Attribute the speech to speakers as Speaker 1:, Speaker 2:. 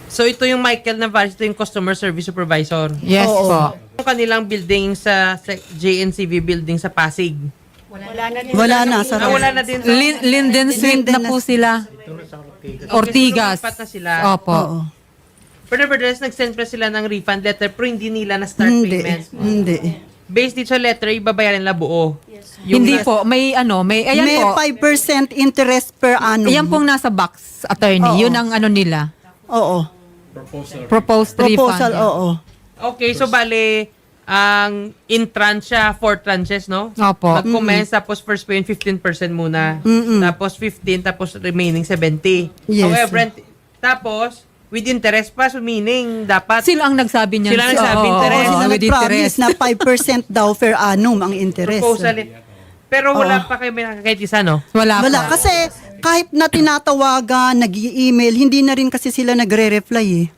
Speaker 1: So ito yung Michael Navarez, ito yung customer service supervisor.
Speaker 2: Yes
Speaker 3: Oo.
Speaker 2: po.
Speaker 1: Yung kanilang building sa JNCV building sa Pasig.
Speaker 3: Wala na. Sarap.
Speaker 1: Wala na din.
Speaker 2: Linden Street na po sila. Ortigas.
Speaker 1: Lumipat na sila.
Speaker 2: Opo.
Speaker 3: Oo.
Speaker 1: Pero nevertheless, nag-send pa sila ng refund letter pero hindi nila na-start payment.
Speaker 3: Hindi.
Speaker 1: Based dito sa letter, ibabayaran nila buo.
Speaker 2: Hindi po, may ayan
Speaker 3: May
Speaker 2: po.
Speaker 3: 5% interest per annum.
Speaker 2: Ayan pong nasa box, attorney.
Speaker 3: Oo.
Speaker 2: Yun ang ano nila.
Speaker 3: Oo.
Speaker 2: Proposed
Speaker 3: Proposal,
Speaker 2: refund.
Speaker 3: oo.
Speaker 1: Okay, so bale, ang in tranche siya, 4 tranches, no?
Speaker 2: Opo.
Speaker 1: Mag-commence, tapos first pay 15% muna. Tapos 15, tapos remaining 70.
Speaker 3: Yes.
Speaker 1: However, tapos, with interest pa, so meaning, dapat,
Speaker 2: Sila ang nagsabi niyan.
Speaker 1: Sila ang nagsabi,
Speaker 2: Oo,
Speaker 1: interest.
Speaker 2: oo,
Speaker 3: Sila
Speaker 2: with
Speaker 3: nag-promise
Speaker 2: interest.
Speaker 3: na 5% daw per annum ang interest.
Speaker 1: proposal Pero wala pa kayo may nakakahit isa, no?
Speaker 2: Wala,
Speaker 3: Wala.
Speaker 2: po.
Speaker 3: Kasi kahit na tinatawagan, nag-i-email, hindi na rin kasi sila nagre-reply eh.